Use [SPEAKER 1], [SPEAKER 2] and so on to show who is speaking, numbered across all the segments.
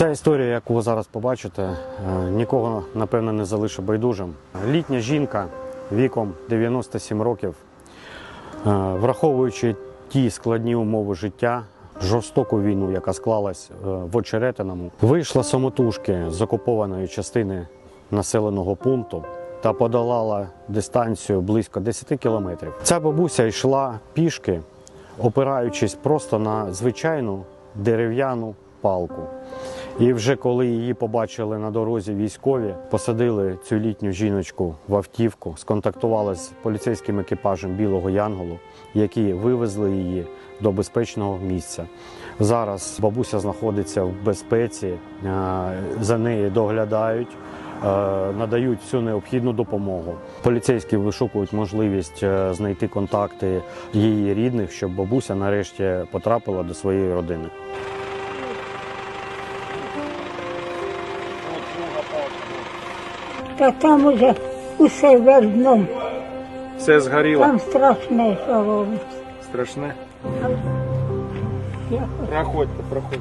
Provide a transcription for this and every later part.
[SPEAKER 1] Ця історія, яку ви зараз побачите, нікого, напевно, не залишить байдужим. Літня жінка віком 97 років, враховуючи ті складні умови життя, жорстоку війну, яка склалась в Очеретиному, вийшла самотужки з окупованої частини населеного пункту та подолала дистанцію близько 10 кілометрів. Ця бабуся йшла пішки, опираючись просто на звичайну дерев'яну палку. І вже коли її побачили на дорозі військові, посадили цю літню жіночку в автівку, сконтактували з поліцейським екіпажем Білого Янголу, які вивезли її до безпечного місця. Зараз бабуся знаходиться в безпеці, за нею доглядають, надають всю необхідну допомогу. Поліцейські вишукують можливість знайти контакти її рідних, щоб бабуся нарешті потрапила до своєї родини.
[SPEAKER 2] Та там уже усе вердно.
[SPEAKER 3] Все згоріло.
[SPEAKER 2] Там страшне, що робиться.
[SPEAKER 3] Страшне?
[SPEAKER 2] Я
[SPEAKER 3] Проходьте, проходьте.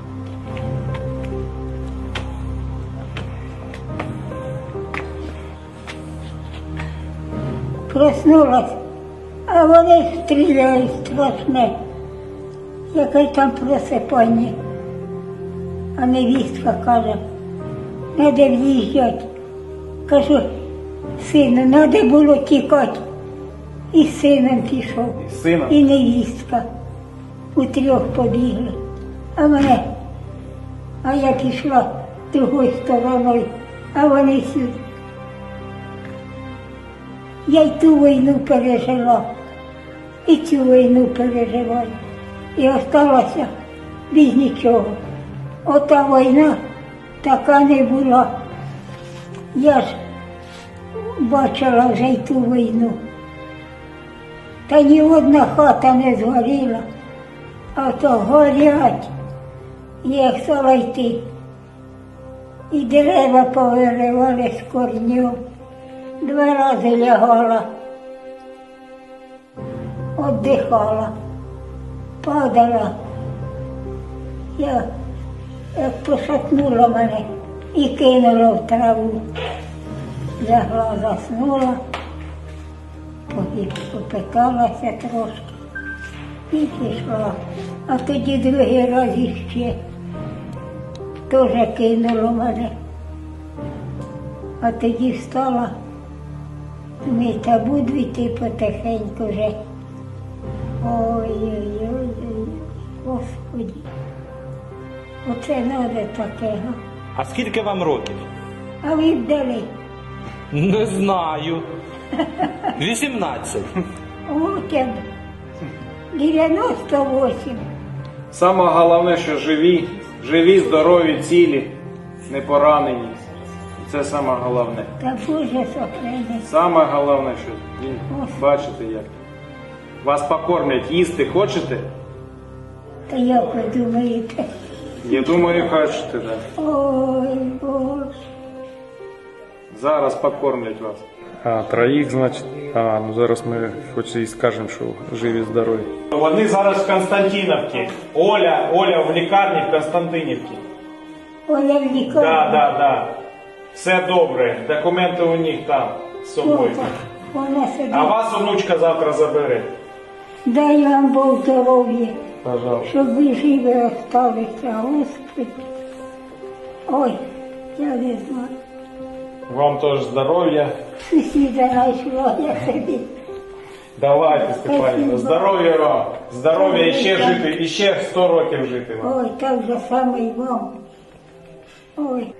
[SPEAKER 2] проснулась, а вони стріляють страшне. Яке там просипання. А невістка каже, треба в'їжджати. Кажу, сину, треба було тікати. І з сином пішов,
[SPEAKER 3] І з сином?
[SPEAKER 2] і невістка. Утрьох побігли. А я пішла другою стороною, а вони сюди. Я й ту війну пережила, і цю війну переживаю. І осталася без нічого. Ота війна така не була. Я ж бачила вже й ту війну. Та ні одна хата не згоріла, а то горять. Я стала йти. І дерева повиривали з корнів. 2 рази лягала, віддихала, падала. Я як пошатнула мене і кинула в траву. Лягла, заснула, попиталася трошки і пішла. А тоді другий раз іще теж кинуло мене. А тоді встала, думаю, та буду йти потихеньку вже. Ой-ой-ой, Господи, оце треба таке, га?
[SPEAKER 4] А скільки вам років?
[SPEAKER 2] А ви вдали?
[SPEAKER 4] Не знаю. 18.
[SPEAKER 2] От я 98.
[SPEAKER 3] Саме головне, що живі, здорові, цілі, не поранені. Це саме головне.
[SPEAKER 2] Та Боже сохрани.
[SPEAKER 3] Саме головне, що бачите як. Вас покормлять, їсти хочете?
[SPEAKER 2] Та як ви думаєте?
[SPEAKER 3] Я думаю, хочете, так.
[SPEAKER 2] Ой, Боже.
[SPEAKER 3] Зараз покормлять вас. А, троїх, значить. Ну зараз ми хоч і скажемо, що живі, здорові.
[SPEAKER 5] Вони зараз в Константинівці. Оля в лікарні в Константинівці.
[SPEAKER 2] Оля в лікарні.
[SPEAKER 5] Да. Все добре. Документи у них там з собою.
[SPEAKER 2] Вона сидить.
[SPEAKER 5] А вас онучка завтра забере.
[SPEAKER 2] Дай вам Бог здоров'я,
[SPEAKER 5] Пожалуйста.
[SPEAKER 2] щоб ви живі осталися, Господи. Ой, я не знаю.
[SPEAKER 5] Вам теж здоров'я.
[SPEAKER 2] Сусіда знайшла, я собі.
[SPEAKER 5] Давайте, Степанівна.
[SPEAKER 2] Спасибо.
[SPEAKER 5] Здоров'я вам. Здоров'я і ще жити, і ще 100 років жити вам.
[SPEAKER 2] Ой, так же саме й вам. Ой.